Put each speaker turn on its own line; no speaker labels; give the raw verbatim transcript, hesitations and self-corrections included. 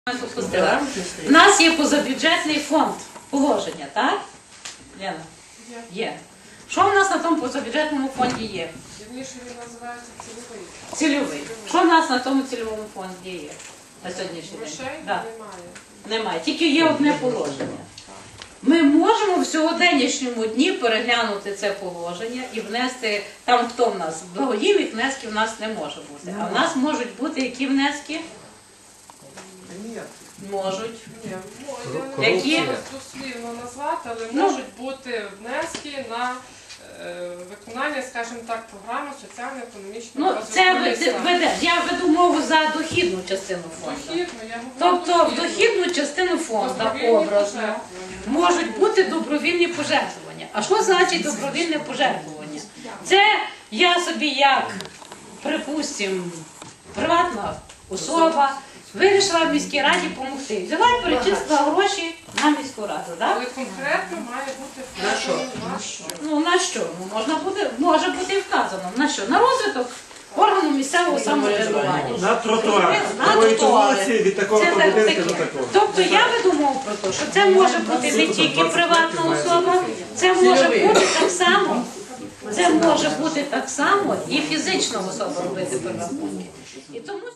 У нас є позабюджетний фонд положення, так? Лена? Є. Є. Що в нас на тому позабюджетному фонді є?
Вірніше він називається цільовий.
Цільовий. Що в нас на тому цільовому фонді є на сьогоднішній день?
Грошей
Да.
немає.
Немає. Тільки є одне положення. Ми можемо в сьогоднішньому дні переглянути це положення і внести, там хто в нас, благодійних внесків в нас не може бути. А в нас можуть бути які внески? Можуть.
Ні, ну, я не
Які?
можу дослівно назвати, але
Ну.
можуть бути внески на е, виконання, скажімо так, програми соціально-економічного
Ну,
розвитку
це
міста.
веде. Я веду мову за дохідну частину фонду.
Дохідно, я говорю
Тобто в дохідну частину фонду
Добровільні
образно
пожертвування.
можуть бути добровільні пожертвування. А що значить добровільне пожертвування? Це я собі як, припустимо, приватна особа вирішила в міській раді допомогти. Взяла і перечислила гроші на міську раду. Так?
Але конкретно має бути
На що?
на що.
Ну на що? Ну, можна буде, може бути і вказано. На що? На розвиток органу місцевого самоврядування.
На тротуар.
На
Такої
тротуари.
вулиці від такого
Це так-
будинку до
таке.
такого.
Тобто я веду мову про те, що це може бути не тільки приватна особа, це може бути так само, це може бути так само і фізична особа робити перерахунки. І тому